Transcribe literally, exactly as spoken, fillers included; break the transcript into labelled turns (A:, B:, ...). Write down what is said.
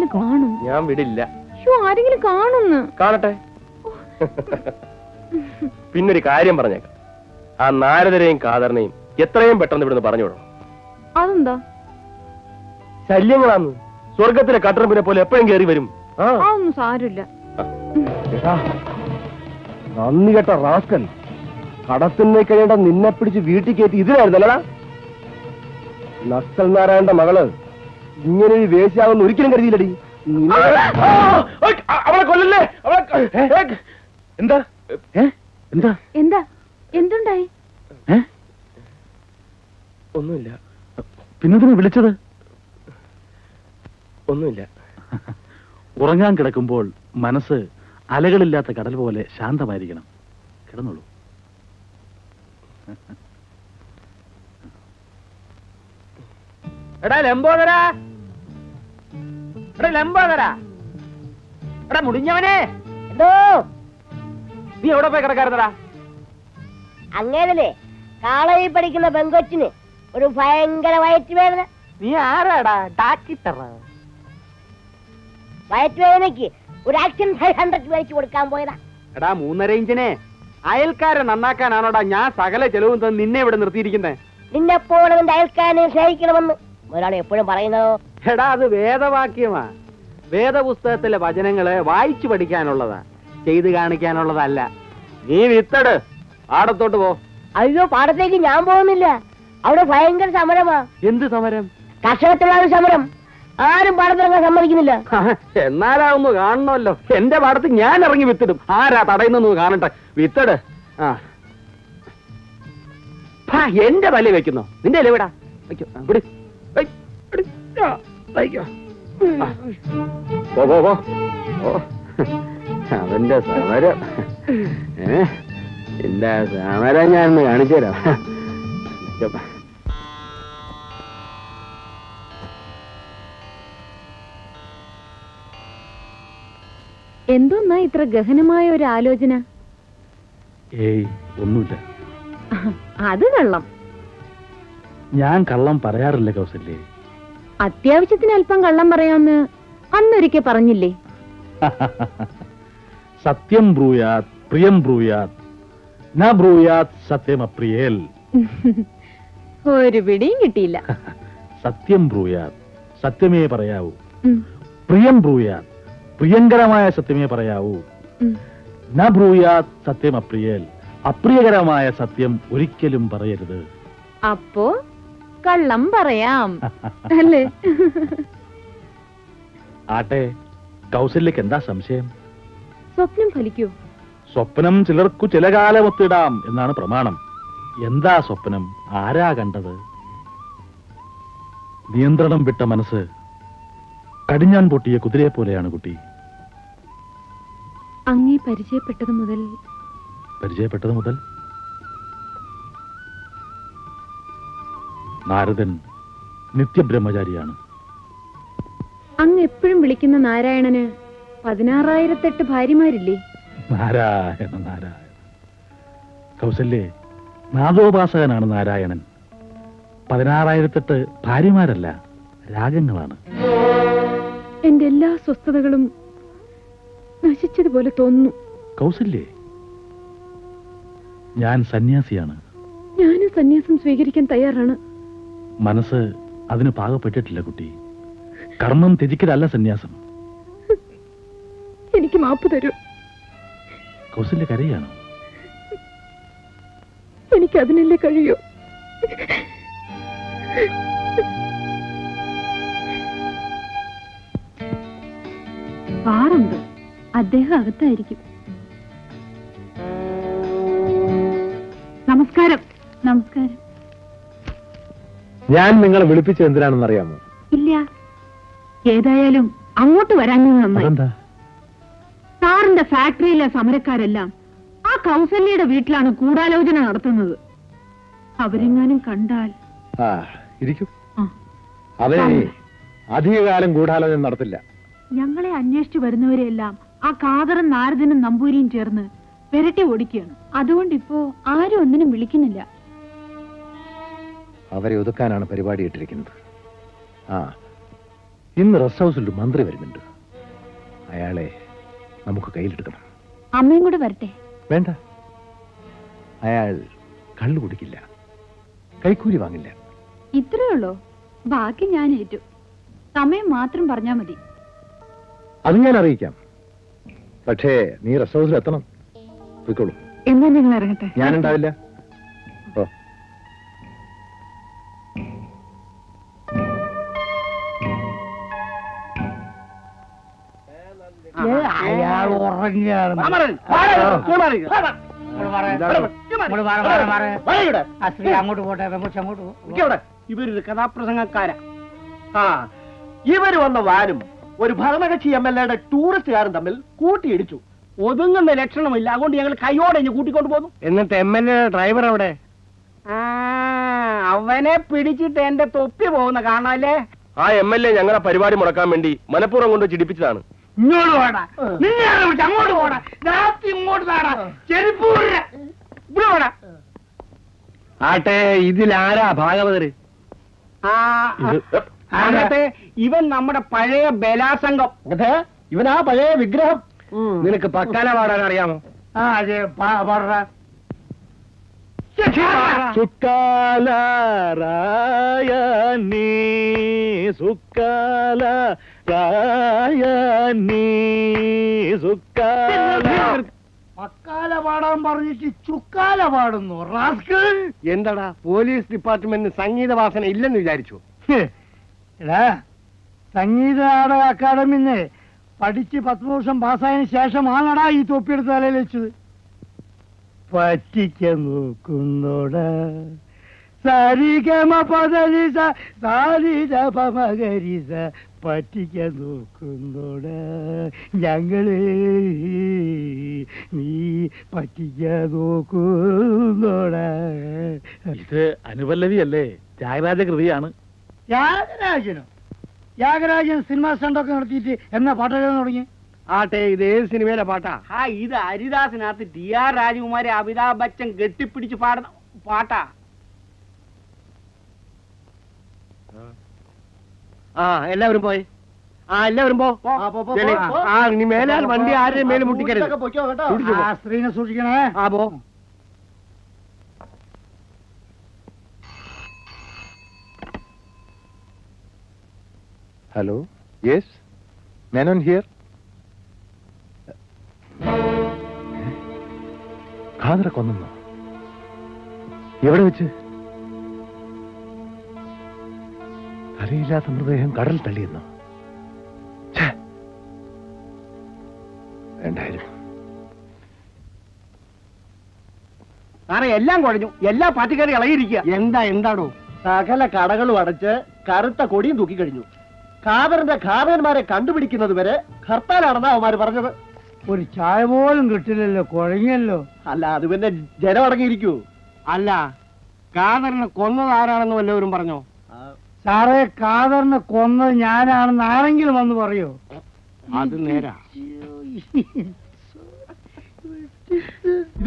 A: ആരെങ്കിലും കാണും.
B: ഞാൻ വിടില്ല.
A: ആരെങ്കിലും കാണുന്നു.
B: കാണട്ടെ. പിന്നൊരു കാര്യം പറഞ്ഞേക്കാം, ആ നാരദരെയും കാതറിനെയും എത്രയും പെട്ടെന്ന് ഇവിടുന്ന് പറഞ്ഞു വിടണം.
A: അതെന്താ?
B: ശല്യങ്ങളാന്ന്. സ്വർഗത്തിലെ കട്ടറമ്പിനെ പോലെ എപ്പോഴും കയറി വരും.
A: അതൊന്നും സാരമില്ല.
B: നന്ദി കേട്ട റാസ്കൽ, കടത്തിനെ കഴിയേണ്ട നിന്നെ പിടിച്ച് വീട്ടിൽ കയറ്റി ഇതിനായിരുന്നല്ലടാ. നക്സൽ നാരായണന്റെ മകള് ഇങ്ങനെ ഒരു വേശ്യാവെന്ന് ഒരിക്കലും കരുതിയില്ലടി. അവളെ കൊല്ലല്ലേ. എന്താ എന്താ
A: എന്താ എന്തുണ്ടായി?
B: ഒന്നുമില്ല.
C: പിന്നെന്തിനാ വിളിച്ചത്?
B: ഒന്നുമില്ല.
C: ഉറങ്ങാൻ കിടക്കുമ്പോൾ മനസ്സ് അലകളില്ലാത്ത കടൽ പോലെ ശാന്തമായിരിക്കണം. കിടന്നോളൂ.
D: എടാ ലംബോദരാ, എടാ ലംബോദരാ, എടാ മുടിഞ്ഞവനെ,
E: എന്തോ
D: നീ എവിടെ പോയി കിടക്കാറുന്നടാ?
E: അങ്ങേരല്ലേ കാളയിൽ പഠിക്കുന്ന പെങ്കൊച്ചിന് ഒരു ഭയങ്കര വയറ്റുവേദന.
D: നീ ആരാടാ? ഡാക്ടർ.
E: വയറ്റുവേദനയ്ക്ക് ഒരു ആക്ഷൻ ഫൈവ് ഹൺഡ്രഡ് മേടിച്ചു കൊടുക്കാൻ പോയതാ.
D: എടാ മൂന്നര ഇഞ്ചിനെ അയൽക്കാരെ നന്നാക്കാനാണോടാ ഞാൻ സകല ചെലവും തന്നെ നിന്നെ ഇവിടെ നിർത്തിയിരിക്കുന്നത്?
E: നിന്നെപ്പോലെ നിന്റെ അയൽക്കാരനെ സ്നേഹിക്കണമെന്ന് ഒരാൾ എപ്പോഴും പറയുന്നതോ?
D: എടാ അത് വേദവാക്യമാ. വേദപുസ്തകത്തിലെ വചനങ്ങള് വായിച്ചു പഠിക്കാനുള്ളതാ, ചെയ്ത് കാണിക്കാനുള്ളതല്ല. നീ വിത്തട്, പാടത്തോട്ട് പോ.
E: അയ്യോ, പാടത്തേക്ക് ഞാൻ പോകുന്നില്ല. അവിടെ ഭയങ്കര സമരമാ.
D: എന്ത് സമരം?
E: കർഷകത്തിലുള്ള സമരം. ആരും പാടത്തിറങ്ങാൻ സമ്മതിക്കുന്നില്ല.
D: എന്നാലാവുന്നു കാണണമല്ലോ. എന്റെ പാടത്ത് ഞാൻ ഇറങ്ങി വിത്തിടും. ആരാ തടയുന്നു കാണട്ടെ. വിത്തട്. ആ എന്റെ പല്ല് വെക്കുന്നോ? നിന്റെ അല്ലേ വിടാ. അവന്റെ സമരം ഏ എന്റെ സമരം ഞാനൊന്ന് കാണിച്ചു തരാം.
A: എന്തോന്നാ ഇത്ര ഗഹനമായ ഒരു ആലോചന?
C: ഏയ് ഒന്നുമില്ല.
A: അത് കള്ളം.
C: ഞാൻ കള്ളം പറയാറില്ല കൗസല്യേ.
A: അത്യാവശ്യത്തിന് അല്പം കള്ളം പറയാമെന്ന് അന്നൊരിക്കൽ പറഞ്ഞില്ലേ?
C: സത്യം ബ്രൂയാത് പ്രിയം ബ്രൂയാത് ന ബ്രൂയാത് സത്യം അപ്രിയേൽ.
A: ഒരു പിടിയും കിട്ടിയില്ല.
C: സത്യം ബ്രൂയാത് സത്യമേ പറയാവൂ. പ്രിയം ബ്രൂയാത് പ്രിയങ്കരമായ സത്യമേ പറയാവൂ. ന ബ്രൂയാത് സത്യം അപ്രിയേൽ അപ്രിയകരമായ സത്യം ഒരിക്കലും പറയരുത്.
A: അപ്പോ കള്ളം പറയാം അല്ലേ?
C: ആട്ടെ, കൗസല്യക്ക് എന്താ സംശയം?
A: സ്വപ്നം ഫലിക്കൂ?
C: സ്വപ്നം ചിലർക്കു ചില കാലമൊത്തിടാം എന്നാണ് പ്രമാണം. എന്താ സ്വപ്നം? ആരാ കണ്ടത്? നിയന്ത്രണം വിട്ട മനസ്സ് കടിഞ്ഞാൻ പൊട്ടിയ കുതിരയെ പോലെയാണ് കുട്ടി.
A: അങ്ങേ പരിചയപ്പെട്ടത് മുതൽ
C: പരിചയപ്പെട്ടത് മുതൽ നാരദൻ നിത്യബ്രഹ്മചാരിയാണ്.
A: അങ്ങ് എപ്പോഴും വിളിക്കുന്ന നാരായണന് പതിനാറായിരത്തെട്ട് ഭാര്യമാരില്ലേ?
C: നാരായണ നാരായണ. കൗസല്യേ, നാദോപാസകനാണ് നാരായണൻ. പതിനാറായിരത്തെട്ട് ഭാര്യമാരല്ല, രാഗങ്ങളാണ്.
A: എന്റെ എല്ലാ സ്വസ്ഥതകളും നശിച്ചതുപോലെ തോന്നുന്നു.
C: കൗസല്യേ, ഞാൻ സന്യാസിയാണ്.
A: ഞാനും സന്യാസം സ്വീകരിക്കാൻ തയ്യാറാണ്.
C: മനസ്സ് അതിന് പാകപ്പെട്ടിട്ടില്ല കുട്ടി. കർമ്മം ത്യജിക്കലല്ല സന്യാസം.
A: എനിക്ക് മാപ്പ് തരൂ.
C: കൗസല്യ കരയാണോ?
A: എനിക്ക് അതിനല്ലേ കഴിയൂ. പാറുണ്ട്, അദ്ദേഹം അകത്തായിരിക്കും. നമസ്കാരം. നമസ്കാരം.
B: ഞാൻ നിങ്ങളെ വിളിപ്പിച്ചത് എന്തിനാണെന്ന് അറിയാമോ?
A: ഇല്ല. ഏതായാലും അങ്ങോട്ട് വരാൻ നന്നായി. സാറിന്റെ ഫാക്ടറിയിലെ സമരക്കാരെല്ലാം ആ കൗസല്യയുടെ വീട്ടിലാണ് ഗൂഢാലോചന നടത്തുന്നത്. അവരെങ്ങാനും കണ്ടാൽ
B: ഇരിക്കും. അവരെ അധികകാലം ഗൂഢാലോചന നടത്തില്ല.
A: ഞങ്ങളെ അന്വേഷിച്ചു വരുന്നവരെല്ലാം ആ കാതറും നാരദനും നമ്പൂരിയും ചേർന്ന് പെരട്ടി ഓടിക്കുകയാണ്. അതുകൊണ്ട് ഇപ്പോ ആരും ഒന്നിനും വിളിക്കുന്നില്ല.
B: അവരെ ഒതുക്കാനാണ് പരിപാടി ഇട്ടിരിക്കുന്നത്. ആ
C: ഇന്ന് റെസ്റ്റ് ഹൗസിൽ ഒരു മന്ത്രി വരുന്നുണ്ട്. അയാളെ നമുക്ക് കയ്യിലെടുക്കണം.
A: അമ്മയും കൂടെ വരട്ടെ?
C: വേണ്ട, അയാൾ കള്ളു കുടിക്കില്ല, കൈക്കൂലി വാങ്ങില്ല.
A: ഇത്രയേ ഉള്ളൂ. ബാക്കി ഞാൻ ഏറ്റു. സമയം മാത്രം പറഞ്ഞാ മതി.
C: അത് ഞാൻ അറിയിക്കാം. പക്ഷേ നീ റെസ്റ്റ് ഹൗസിൽ എത്തണം. പോയിക്കോളൂ.
A: എന്നാ ഞങ്ങൾ ഇറങ്ങട്ടെ?
C: ഞാനുണ്ടാവില്ല. ഓ
B: അയാൾ ഉറങ്ങിയാണ്.
F: അങ്ങോട്ട് പോട്ടെ, അങ്ങോട്ട് പോ.
B: ഇവരൊരു കഥാപ്രസംഗക്കാരാ. ആ ഇവര് വന്ന വാനും ഒരു ഭരണകക്ഷി എം എൽ എയുടെ ടൂറിസ്റ്റുകാരും തമ്മിൽ കൂട്ടിയിടിച്ചു. ഒതുങ്ങുന്ന ലക്ഷണമില്ല. അതുകൊണ്ട് ഞങ്ങൾ കൈയോടെ ഇഞ്ഞ് കൂട്ടിക്കൊണ്ട് പോകുന്നു. എന്നിട്ട് എം എൽ എ ഡ്രൈവർ അവിടെ? അവനെ പിടിച്ചിട്ട് എന്റെ തൊപ്പി പോകുന്ന കാണാല്ലേ. ആ എം എൽ എ ഞങ്ങളെ പരിപാടി മുടക്കാൻ വേണ്ടി മനഃപൂർവ്വം കൊണ്ട് ചിരിപ്പിച്ചതാണ്.
F: ഇങ്ങോട്ട് പോടാ, നിന്നെ അങ്ങോട്ട് പോടാ, ഇങ്ങോട്ട് താടാ, ചെരുപ്പ് ഇവിടെ പോടാ.
B: ആട്ടെ, ഇതിലാരാ ഭാഗവതര്?
F: അങ്ങനത്തെ ഇവൻ നമ്മുടെ പഴയ ബലാസംഘം.
B: ഇവനാ പഴയ വിഗ്രഹം. നിനക്ക് പക്കാല പാടാൻ അറിയാമോ?
F: ആ അതെ, പാടാ.
C: സുക്കാല രായനീ സുക്കാല രായനീ സുക്കാല.
F: പക്കാല പാടാൻ പറഞ്ഞിട്ട് ചുക്കാല പാടുന്നു റാസ്കൽ.
B: എന്താടാ, പോലീസ് ഡിപ്പാർട്ട്മെന്റിന് സംഗീത വാസന ഇല്ലെന്ന് വിചാരിച്ചു?
F: എടാ, സംഗീത നാടക അക്കാദമിന്ന് പഠിച്ച് പത്ത് വർഷം പാസ്സായതിനു ശേഷമാണടാ ഈ തൊപ്പിയെടുത്ത് തലയിൽ വെച്ചത്. പറ്റിക്കാൻ നോക്കുന്നോട സരിഗമ പദലിസ സാരിത പമകരിസ പറ്റിക്കാൻ നോക്കുന്നോട ഞങ്ങള് നീ പറ്റിക്കാൻ നോക്കുന്നോട.
C: ഇത് അനുപല്ലവിയല്ലേ? ത്യാഗരാജ കൃതിയാണ്.
F: ത്യാഗരാജനോ? ത്യാഗരാജൻ സിനിമ സ്റ്റണ്ടൊക്കെ നടത്തിയിട്ട് എന്നാ പാട്ടെഴുതാൻ തുടങ്ങി?
B: ആട്ടെ, ഇത് ഏത് സിനിമയിലെ പാട്ടാ?
F: ആ ഇത് ഹരിദാസിനകത്ത് ടി ആർ രാജകുമാരി അമിതാഭ് ബച്ചൻ കെട്ടിപ്പിടിച്ച് പാടുന്ന പാട്ടാ.
B: ആ എല്ലാവരും പോയി. ആ എല്ലാവരും പോ. ആ ഇനി മേലാൽ വണ്ടി ആരുടെയും മേലെ മുട്ടിക്കരുത്. സൂക്ഷിച്ചു പോ.
F: ആ സ്ത്രീനെ സൂക്ഷിക്കണേ.
B: ആ പോ.
C: Hello, yes, Menon here. ഖാദറെ കൊന്നു? എവിടെ വെച്ച്? തലയില്ലാത്ത മൃതദേഹം കടൽ തള്ളിയെന്നോ? വേണ്ടായിരുന്നു.
B: സാറേ, എല്ലാം കുഴഞ്ഞു. എല്ലാ പാർട്ടിക്കാരും ഇളകിയിരിക്കുക. എന്താ എന്താണോ? സകല കടകളും അടച്ച് കറുത്ത കൊടിയും തൂക്കിക്കഴിഞ്ഞു. ഖാദറിന്റെ ഖാദന്മാരെ കണ്ടുപിടിക്കുന്നത് വരെ ഹർത്താലാണെന്നാ അവന്മാര് പറഞ്ഞത്.
F: ഒരു ചായ പോലും കിട്ടില്ലല്ലോ, കുഴങ്ങിയല്ലോ.
B: അല്ല, അത് പിന്നെ ജനം അടങ്ങിയിരിക്കൂ. അല്ല, ഖാദറിനെ കൊന്നത് ആരാണെന്ന് വല്ലവരും പറഞ്ഞോ?
F: സാറേ, ഖാദറിനെ കൊന്നത് ഞാനാണെന്ന് ആരെങ്കിലും വന്ന് പറയോ?
B: അത് നേരാ.